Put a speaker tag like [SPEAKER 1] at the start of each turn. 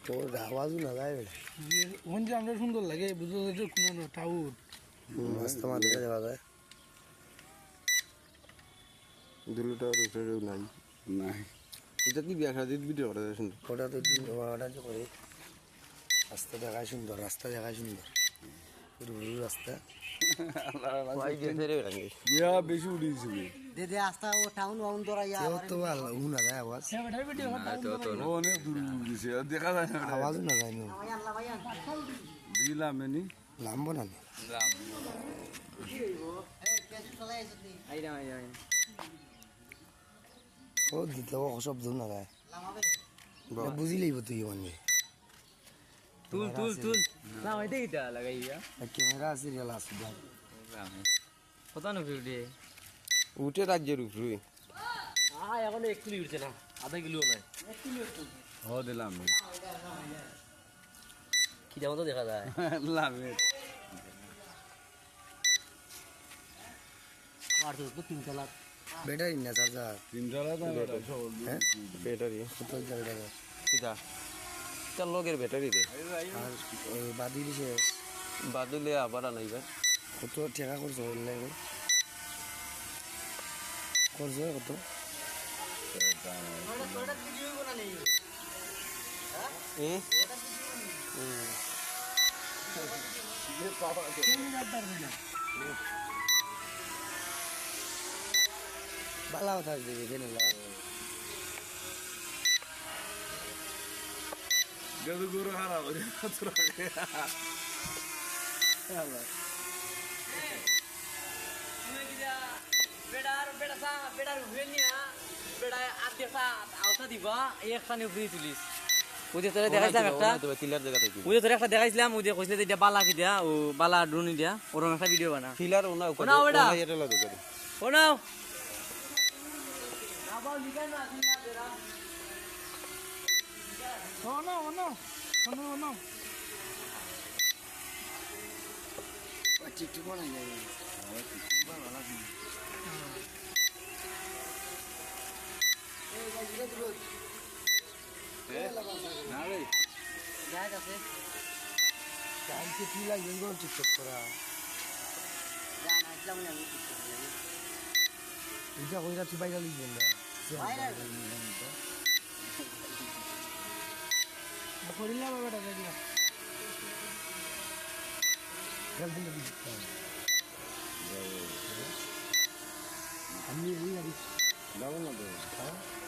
[SPEAKER 1] তোর আওয়াজও না যায়
[SPEAKER 2] ওখান যে আমরা সুন্দর লাগে বুঝতে পারছি কোনো টাউর
[SPEAKER 1] রাস্তা মাঝে যাওয়া যায়
[SPEAKER 3] দুলুটা রুটেও নাই নাই এটা কি বিয়া খাদিত ভিডিও করা যায় সুন্দর
[SPEAKER 1] ওটা তো ওটা যে করে রাস্তা দেখায় সুন্দর রাস্তা দেখায় সুন্দর রুরু রাস্তা
[SPEAKER 3] ইয়া বেশি উড়িয়েছিল
[SPEAKER 4] দে আস্তা ও টাউন ওয়াউন দরা ইয়া
[SPEAKER 1] তো ভালো না যায় আওয়াজ
[SPEAKER 3] অনেক দূর উড়িয়েছে দেখা যায় না
[SPEAKER 1] আওয়াজও না যায় না
[SPEAKER 4] আল্লাহ ভাইয়া
[SPEAKER 3] দিলাম এনি
[SPEAKER 1] লাম্ব না ও দিতে সব দূর না যায় বুঝি লাগব তুই মানে
[SPEAKER 5] তুল না ওইটা কিটা লাগাইয়া
[SPEAKER 1] ক্যামেরা আছে রিয়েল আছে
[SPEAKER 5] কত না ভিডিও
[SPEAKER 3] উঠে রাজ্যের উপরে
[SPEAKER 5] এখন 1 কিলো উঠছে না আধা কিলো নাই
[SPEAKER 3] হ দিলাম
[SPEAKER 5] কি যেমন তো দেখা যায়
[SPEAKER 3] লামে
[SPEAKER 5] আর তো 3 তলা
[SPEAKER 1] ব্যাটারি না চার্জার
[SPEAKER 3] তিনতলা
[SPEAKER 1] হ্যাঁ
[SPEAKER 3] ব্যাটারি
[SPEAKER 1] কত জায়গা
[SPEAKER 3] কিটা চার লগের ব্যাটারি রে
[SPEAKER 1] আর ওই বাদি দিছে
[SPEAKER 3] বাদুলে আবার আনাইবা
[SPEAKER 1] কত টাকা করছো লাগে করছো কত বালা কথা দিবি কেন
[SPEAKER 3] গরু হারা ওরে তোরা
[SPEAKER 5] বেড়ার উঠবেনিয়া বেড়া আত্মীয় আওতা দিবা এক খানে উপরে তুলিস ওই তোরে দেখাইছিলাম একটা
[SPEAKER 3] কিলার জায়গা থেকে
[SPEAKER 5] ওই তোরে একটা দেখাইছিলাম ওই যে কইছিলে যে বালা কি দিয়া ও বালা ড্রোন দিয়া ওরকম একটা ভিডিও বানা
[SPEAKER 3] কিলার ওনা
[SPEAKER 5] ওনা ওটা
[SPEAKER 3] এটা লাগো করে
[SPEAKER 5] ও নাও
[SPEAKER 1] চিঠি বানাই যায়
[SPEAKER 3] না রে
[SPEAKER 4] জায়গ আছে
[SPEAKER 1] কালকে কি লাগবে কোন টিকটক করা
[SPEAKER 4] জান আসলাম না আমি
[SPEAKER 1] এটা কইরা তুই বাইরে লিখবেন না
[SPEAKER 2] করিলাম বেটা দেখলাম
[SPEAKER 1] আমি
[SPEAKER 3] দাও না